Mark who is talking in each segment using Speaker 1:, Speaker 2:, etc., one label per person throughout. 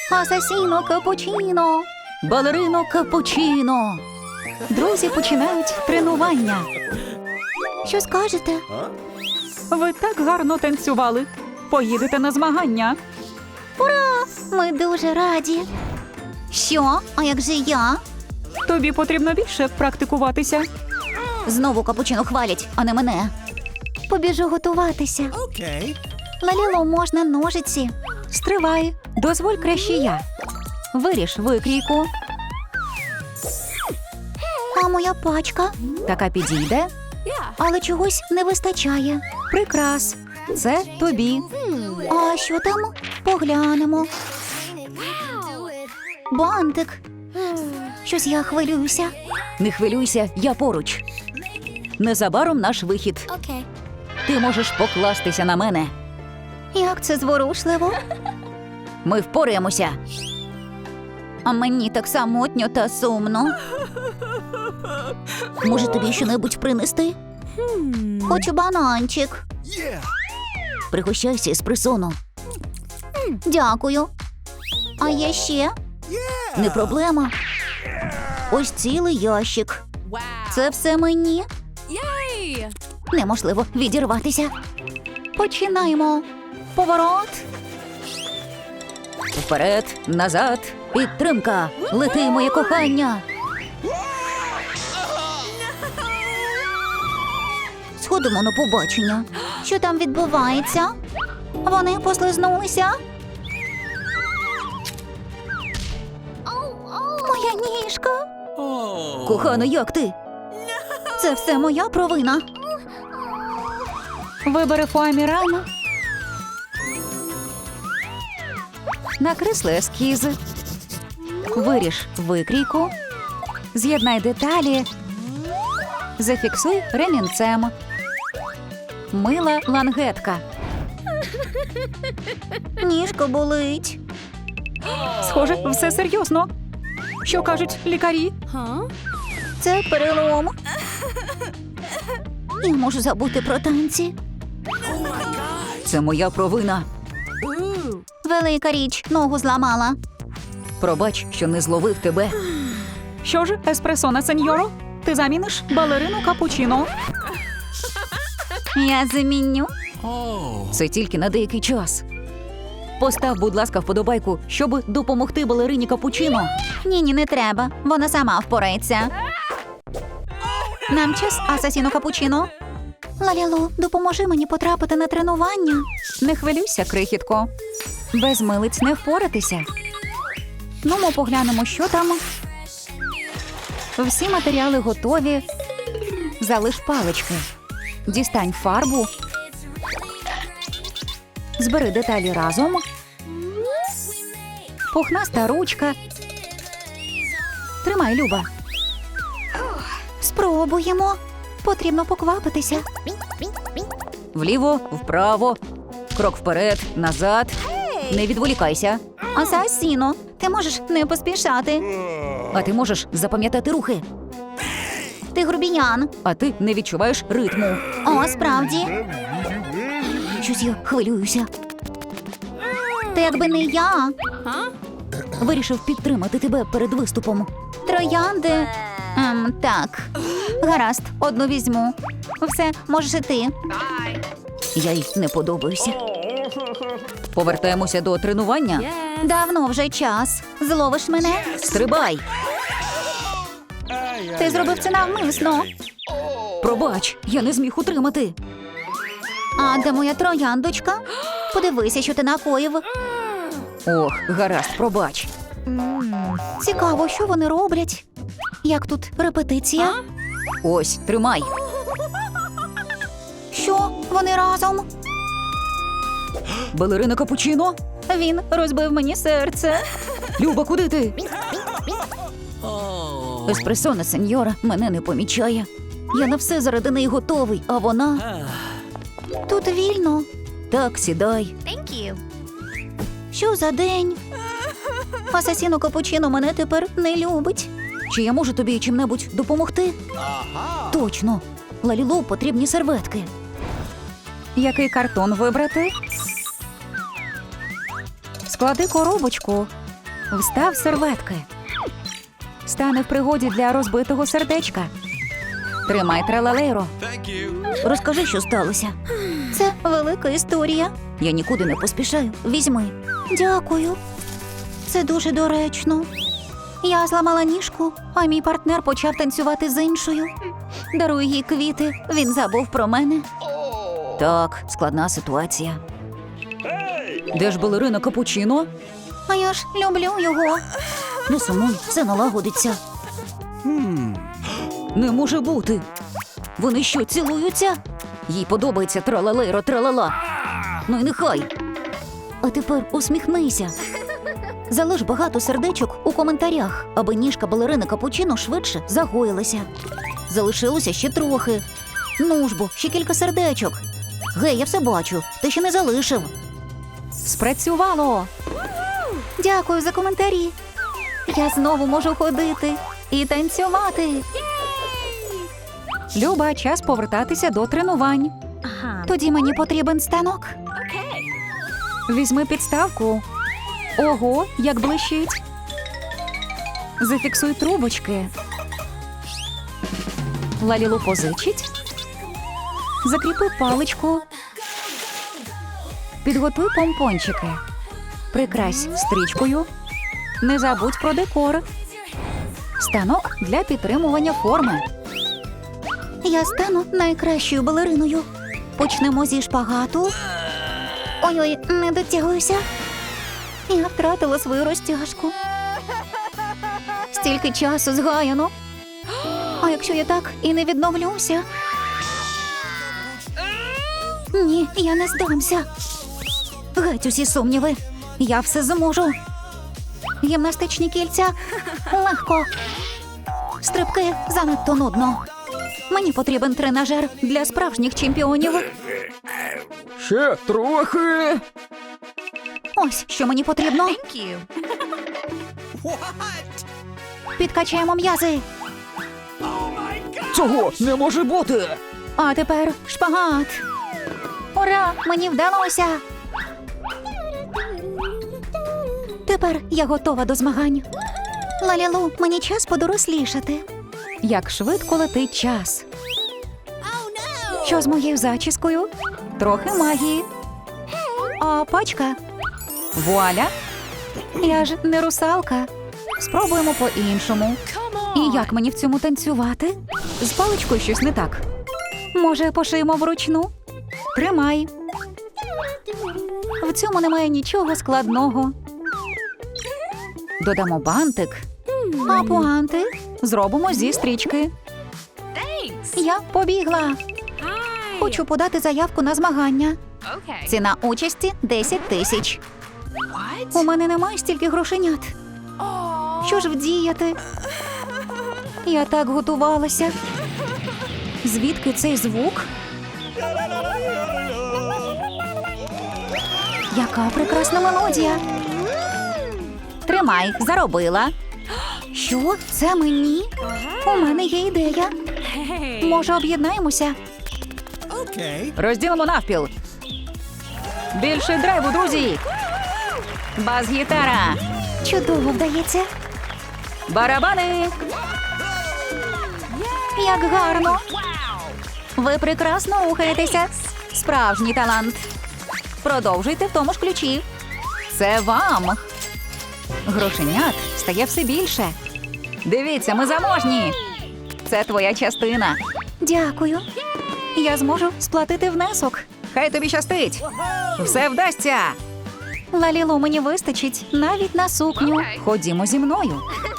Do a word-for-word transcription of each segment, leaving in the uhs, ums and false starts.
Speaker 1: Асасіно капучино! Балерино капучино! Друзі починають тренування. Що скажете?
Speaker 2: Ви так гарно танцювали. Поїдете на змагання.
Speaker 1: Ура! Ми дуже раді. Що? А як же я?
Speaker 2: Тобі потрібно більше практикуватися.
Speaker 1: Знову капучино хвалять, а не мене. Побіжу готуватися.
Speaker 3: Okay.
Speaker 1: Лаліло, можна ножиці.
Speaker 2: Стривай. Дозволь краще я. Виріж викрійку.
Speaker 1: А моя пачка?
Speaker 2: Така підійде.
Speaker 1: Але чогось не вистачає.
Speaker 2: Прикрас. Це тобі.
Speaker 1: А що там? Поглянемо. Бантик. Щось я хвилююся.
Speaker 2: Не хвилюйся, я поруч. Незабаром наш вихід.
Speaker 1: Окей.
Speaker 2: Ти можеш покластися на мене.
Speaker 1: Як це зворушливо.
Speaker 2: Ми впораємося.
Speaker 1: А мені так самотньо та сумно. Може, тобі щонебудь принести? Хочу бананчик.
Speaker 3: Yeah.
Speaker 2: Пригощайся еспресоно.
Speaker 1: Дякую. А є ще? Не проблема. Ось цілий ящик. Це все мені? Неможливо відірватися. Починаємо. Поворот.
Speaker 2: Вперед, назад, підтримка. Лети, моє кохання.
Speaker 1: Сходимо на побачення. Що там відбувається? Вони послизнулися? Моя ніжка.
Speaker 2: Кохано, як ти?
Speaker 1: Це все моя провина.
Speaker 2: Вибери фоаміран. Накресли ескіз. Виріж викрійку. З'єднай деталі. Зафіксуй ремінцем. Мила лангетка.
Speaker 1: Ніжка болить.
Speaker 2: Схоже, все серйозно. Що кажуть лікарі?
Speaker 1: Це перелом. Я можу забути про танці.
Speaker 2: Це моя провина.
Speaker 1: Велика річ, ногу зламала.
Speaker 2: Пробач, що не зловив тебе. Що ж, еспресона, сеньоро? Ти заміниш балерину капучино.
Speaker 1: Я заміню.
Speaker 3: Oh.
Speaker 2: Це тільки на деякий час. Постав, будь ласка, вподобайку, щоб допомогти балерині капучино.
Speaker 1: Ні-ні, не треба. Вона сама впорається. Нам час, асасіно капучино. Лалілу, допоможи мені потрапити на тренування.
Speaker 2: Не хвилюйся, крихітко. Без милиць не впоратися. Ну, ми поглянемо, що там. Всі матеріали готові. Залиш палички. Дістань фарбу. Збери деталі разом. Пухнаста ручка. Тримай, Люба.
Speaker 1: Спробуємо. Потрібно поквапитися.
Speaker 2: Вліво, вправо. Крок вперед, назад. Не відволікайся.
Speaker 1: Асасіно, ти можеш не поспішати.
Speaker 2: А ти можеш запам'ятати рухи.
Speaker 1: Ти грубіян.
Speaker 2: А ти не відчуваєш ритму.
Speaker 1: О, справді.
Speaker 2: Щось я хвилююся.
Speaker 1: Та якби не я.
Speaker 2: Вирішив підтримати тебе перед виступом.
Speaker 1: Троянди. Ем, так. Гаразд, одну візьму. Все, можеш і ти.
Speaker 2: Я їй не подобаюся. Повертаємося до тренування.
Speaker 1: Давно вже час. Зловиш мене?
Speaker 2: Стрибай!
Speaker 1: Ти зробив це навмисно.
Speaker 2: Пробач, я не зміг утримати.
Speaker 1: А де моя трояндочка? Подивися, що ти накоїв.
Speaker 2: Ох, гаразд, пробач.
Speaker 1: Цікаво, що вони роблять. Як тут репетиція?
Speaker 2: Ось, тримай.
Speaker 1: Що? Вони разом?
Speaker 2: Балерина капучино?
Speaker 1: Він розбив мені серце.
Speaker 2: Люба, куди ти?
Speaker 3: Oh.
Speaker 2: Еспресона, сеньора, мене не помічає. Я на все заради неї готовий, а вона...
Speaker 1: Тут вільно.
Speaker 2: Так, сідай.
Speaker 1: Що за день? Асасіно капучино мене тепер не любить.
Speaker 2: Чи я можу тобі чим-небудь допомогти?
Speaker 3: Aha.
Speaker 2: Точно. Лалілу потрібні серветки. Який картон вибрати? Склади коробочку. Встав серветки. Стане в пригоді для розбитого сердечка. Тримай тралалейро.
Speaker 1: Розкажи, що сталося. Це велика історія. Я нікуди не поспішаю. Візьми. Дякую. Це дуже доречно. Я зламала ніжку, а мій партнер почав танцювати з іншою. Дарую їй квіти. Він забув про мене. Так, складна ситуація.
Speaker 2: Де ж балерина Капучино?
Speaker 1: А я ж люблю його. Не сумуй, все налагодиться.
Speaker 2: Не може бути.
Speaker 1: Вони що, цілуються? Їй подобається тралалейро тралала. Ну і нехай. А тепер усміхнися. Залиш багато сердечок у коментарях, аби ніжка балерини Капучино швидше загоїлася. Залишилося ще трохи. Ну ж бо, ще кілька сердечок. Гей, я все бачу, ти ще не залишив.
Speaker 2: Спрацювало!
Speaker 1: Дякую за коментарі. Я знову можу ходити і танцювати.
Speaker 2: Люба, час повертатися до тренувань.
Speaker 1: Тоді мені потрібен станок.
Speaker 2: Візьми підставку. Ого, як блищить. Зафіксуй трубочки. Лалілу позичить. Закріпи паличку. Підготуй помпончики. Прикрась стрічкою. Не забудь про декор. Станок для підтримування форми.
Speaker 1: Я стану найкращою балериною. Почнемо зі шпагату. Ой-ой, не дотягуюся. Я втратила свою розтяжку. Стільки часу згаяно. А якщо я так і не відновлюся? Ні, я не здамся. Геть усі сумніви. Я все зможу. Гімнастичні кільця легко. Стрибки занадто нудно. Мені потрібен тренажер для справжніх чемпіонів.
Speaker 2: Ще трохи.
Speaker 1: Ось що мені потрібно. Підкачаємо м'язи.
Speaker 2: Цього не може бути.
Speaker 1: А тепер шпагат. Ура! Мені вдалося. Тепер я готова до змагань. Лалілу, мені час подорослішати.
Speaker 2: Як швидко летить час. Що з моєю зачіскою? Трохи магії.
Speaker 1: А пачка?
Speaker 2: Вуаля.
Speaker 1: Я ж не русалка.
Speaker 2: Спробуємо по-іншому. І як мені в цьому танцювати? З паличкою щось не так.
Speaker 1: Може, пошиємо вручну?
Speaker 2: Тримай.
Speaker 1: В цьому немає нічого складного.
Speaker 2: Додамо бантик.
Speaker 1: А пуанти?
Speaker 2: Зробимо зі стрічки.
Speaker 1: Я побігла. Хочу подати заявку на змагання. Ціна участі десять тисяч. У мене немає стільки грошенят. Що ж вдіяти? Я так готувалася.
Speaker 2: Звідки цей звук?
Speaker 1: Яка прекрасна мелодія. Тримай, заробила. Що? Це мені? У мене є ідея. Може, об'єднаємося?
Speaker 2: Розділимо навпіл. Більше драйву, друзі. Бас-гітара.
Speaker 1: Чудово вдається.
Speaker 2: Барабани.
Speaker 1: Як гарно. Ви прекрасно рухаєтеся. Справжній талант. Продовжуйте в тому ж ключі.
Speaker 2: Це вам. Грошенят стає все більше. Дивіться, ми заможні. Це твоя частина.
Speaker 1: Дякую. Я зможу сплатити внесок.
Speaker 2: Хай тобі щастить. Все вдасться.
Speaker 1: Лалілу, мені вистачить навіть на сукню.
Speaker 2: Ходімо зі мною.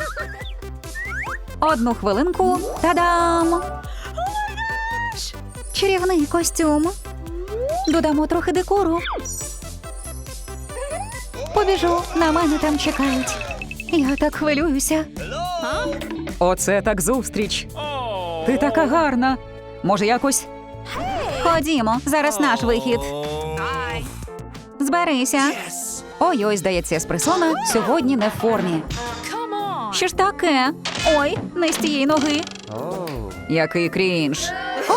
Speaker 1: Одну хвилинку. Та-дам! Чарівний костюм. Додамо трохи декору. Побіжу, на мене там чекають. Я так хвилююся.
Speaker 2: Оце так зустріч. Ти така гарна. Може, якось?
Speaker 1: Ходімо, зараз наш вихід. Зберися.
Speaker 2: Ой-ой, здається, еспресона сьогодні не в формі.
Speaker 1: Що ж таке? Ой, не з тієї ноги.
Speaker 2: Який крінж.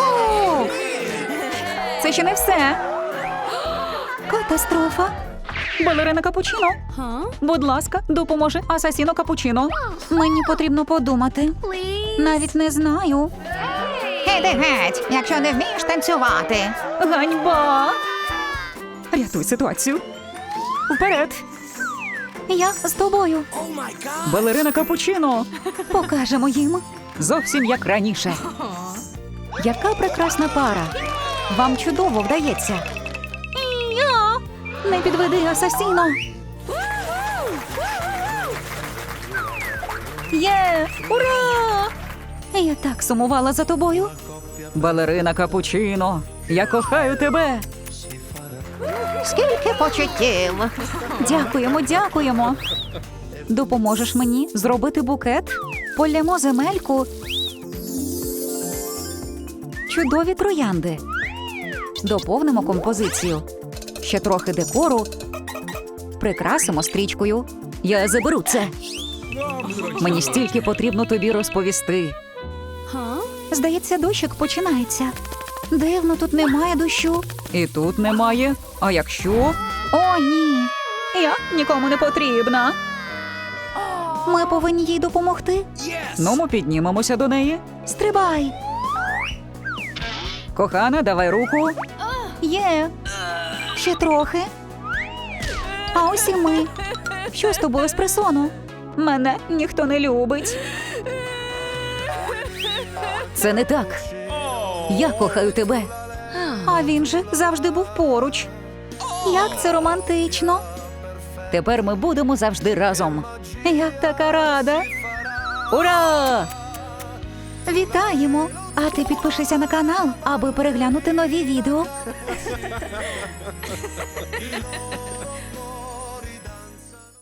Speaker 1: О!
Speaker 2: Це ще не все.
Speaker 1: Катастрофа.
Speaker 2: Балерина капучино. Будь ласка, допоможи асасіно капучино.
Speaker 1: Мені потрібно подумати. Навіть не знаю. Іди геть, якщо не вмієш танцювати.
Speaker 2: Ганьба! Рятуй ситуацію. Вперед!
Speaker 1: Я з тобою.
Speaker 2: Балерина капучино.
Speaker 1: Покажемо їм.
Speaker 2: Зовсім як раніше.
Speaker 1: Яка прекрасна пара. Вам чудово вдається. І я. Не підведи асасіно. Є! Ура! Я так сумувала за тобою.
Speaker 2: Балерина капучино. Я кохаю тебе.
Speaker 1: Скільки почуттів. Дякуємо, дякуємо. Допоможеш мені зробити букет? Полємо земельку. Чудові троянди. Доповнимо композицію. Ще трохи декору. Прикрасимо стрічкою. Я заберу це.
Speaker 2: Мені стільки потрібно тобі розповісти.
Speaker 1: Здається, дощик починається. Дивно, тут немає дощу.
Speaker 2: І тут немає. А якщо?
Speaker 1: О, ні.
Speaker 2: Я нікому не потрібна.
Speaker 1: Ми повинні їй допомогти.
Speaker 2: Ну, ми піднімемося до неї.
Speaker 1: Стрибай.
Speaker 2: Кохана, давай руку.
Speaker 1: Є. Ще трохи. А ось і ми. Що з тобою, еспресоно?
Speaker 2: Мене ніхто не любить.
Speaker 1: Це не так. Я кохаю тебе. А він же завжди був поруч. Як це романтично.
Speaker 2: Тепер ми будемо завжди разом.
Speaker 1: Я така рада.
Speaker 2: Ура!
Speaker 1: Вітаємо! А ти підпишися на канал, аби переглянути нові відео.